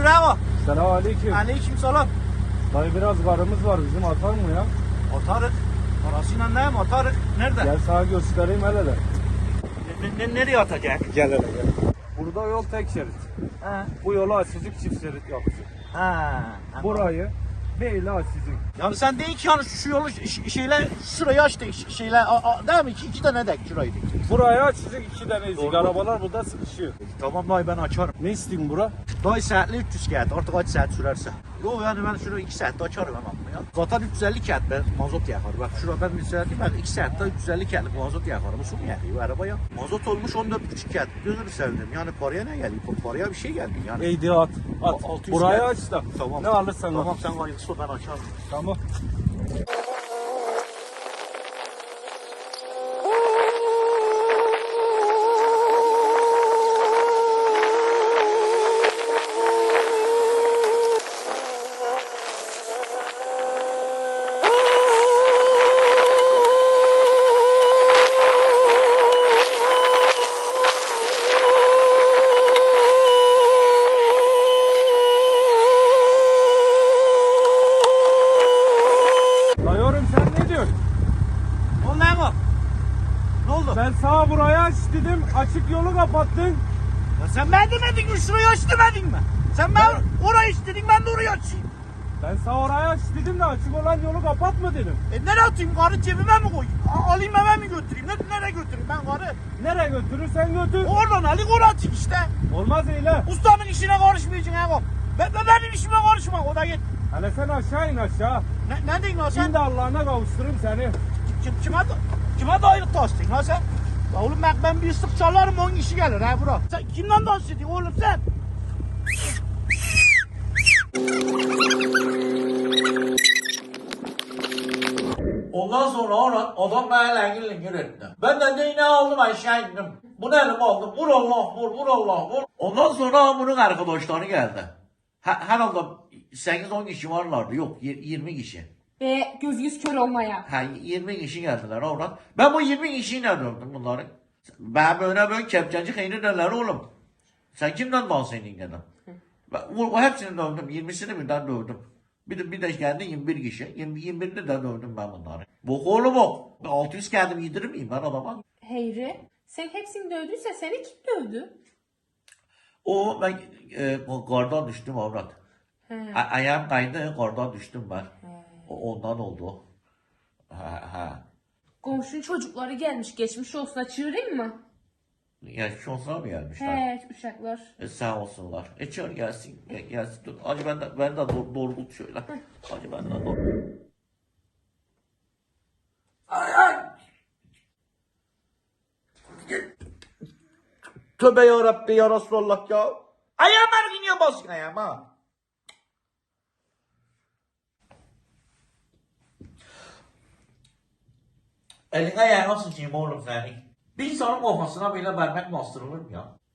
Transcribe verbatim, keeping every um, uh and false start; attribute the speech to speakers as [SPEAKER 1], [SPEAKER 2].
[SPEAKER 1] bravo.
[SPEAKER 2] Selam aleyküm.
[SPEAKER 1] Aleyküm selam.
[SPEAKER 2] Dayı biraz karımız var bizim atar mı ya?
[SPEAKER 1] Atarık. Parasıyla ne mi atarık? Nerede?
[SPEAKER 2] Gel sana göstereyim hele de.
[SPEAKER 1] Ne, ne, nereye atacak?
[SPEAKER 2] Gel hele gel. Burada yol tek şerit.
[SPEAKER 1] Ha.
[SPEAKER 2] Bu yolu açacak çift şerit yapacak.
[SPEAKER 1] Ha.
[SPEAKER 2] Burayı böyle açacak.
[SPEAKER 1] Yani sen değil ki yani şu, şu yolu ş- şeyle şurayı açtık şeyle a, a, değil mi? İki, iki tane dek şurayı dik.
[SPEAKER 2] Burayı açacak iki tane ezik.
[SPEAKER 1] Doğru.
[SPEAKER 2] Arabalar burada sıkışıyor.
[SPEAKER 1] Tamam dayı ben açarım.
[SPEAKER 2] Ne isteyeyim bura?
[SPEAKER 1] Dayı saatli üç yüz kağıt artık kaç saat sürerse. Yok yani ben şunu iki saatte açarım hemen ya. Zaten üç yüz elli kağıt ben mazot yakar. Bak şurada ben bir saat değil ben iki saatte üç yüz elli kağıtlık mazot yakarım. Su mu yakıyor arabaya? Mazot olmuş on dört buçuk kağıt. Gözünü sevdim. Yani paraya ne geliyor? Paraya bir şey geldi yani.
[SPEAKER 2] Eydi at. At.
[SPEAKER 1] altı yüz
[SPEAKER 2] Burayı
[SPEAKER 1] kağıt.
[SPEAKER 2] aç da.
[SPEAKER 1] Tamam.
[SPEAKER 2] Ne alırsan
[SPEAKER 1] Tamam
[SPEAKER 2] al.
[SPEAKER 1] sen hayırlısı ben açarım.
[SPEAKER 2] Tamam. Dayıyorum sen ne diyorsun?
[SPEAKER 1] O ne bu? Ne oldu?
[SPEAKER 2] Ben sana burayı aç dedim. Açık yolu kapattın.
[SPEAKER 1] Ya sen ben demedin mi şurayı aç demedin mi? Sen ben orayı istedin ben de orayı açayım.
[SPEAKER 2] Ben sana orayı aç dedim de açık olan yolu kapatma dedim.
[SPEAKER 1] E nereye atayım? Karı cebime mi koyayım? A- alayım eve mi götüreyim? Ne, nereye götüreyim ben karı?
[SPEAKER 2] Nereye götürürsen götür.
[SPEAKER 1] Oradan alayım oraya atayım işte.
[SPEAKER 2] Olmaz öyle.
[SPEAKER 1] Ustamın işine karışmayacaksın Ego. Ben, ben benim işime karışma o da git.
[SPEAKER 2] Hele sen aşağı in aşağı.
[SPEAKER 1] Ne, ne diyorsun lan sen?
[SPEAKER 2] Şimdi Allah'ına kavuşturayım seni.
[SPEAKER 1] Kim, kime, kime dairlik taştın lan sen? Ya oğlum bak ben bir ıslık çalarım on kişi gelir ha bura. Sen kimden dans ediyorsun oğlum sen? Ondan sonra ona adam bana lengin etti. Ben de değneği aldım aşağı indim. Bunu elime aldım. Vur Allah vur vur Allah vur. Ondan sonra bunun arkadaşları geldi. Her, herhalde sekiz on kişi varlardı. Yok yirmi kişi.
[SPEAKER 3] Ve göz yüz kör olmaya.
[SPEAKER 1] Ha yirmi kişi geldiler oradan. Ben bu yirmi kişiyle dövdüm bunları. Ben böyle böyle kepçeci kıyını derler oğlum. Sen kimden bahsediyorsun dedim. Ben, o, o hepsini dövdüm. yirmisini birden dövdüm. Bir de, bir de geldi yirmi bir kişi. yirmi, yirmi birini de dövdüm ben bunları. Bok oğlum bok. altı yüz kendim yedirir miyim ben adama?
[SPEAKER 3] Heyri, sen hepsini dövdüyse seni kim dövdü?
[SPEAKER 1] O ben e, kardan düştüm avrat. A- ayağım kaydı kardan düştüm ben. O, ondan oldu. Ha, ha.
[SPEAKER 3] Komşunun çocukları gelmiş, geçmiş olsun, çığırayım mı?
[SPEAKER 1] Yaşlı olsa mı gelmişler?
[SPEAKER 3] He, uşaklar.
[SPEAKER 1] E, sağ olsunlar. E çağır gelsin. E, gelsin. Dur. Hacı ben de, ben de doğ, doğrult şöyle. Hacı ben de doğrult. Ay ay. Tövbe ya Rabbi ya Resulallah ya. Ayağım her gün ya basın ayağım ha. Elin ayağına sıçayım oğlum senin. Bir insanın kafasına bile vermek bastırılır mı ya?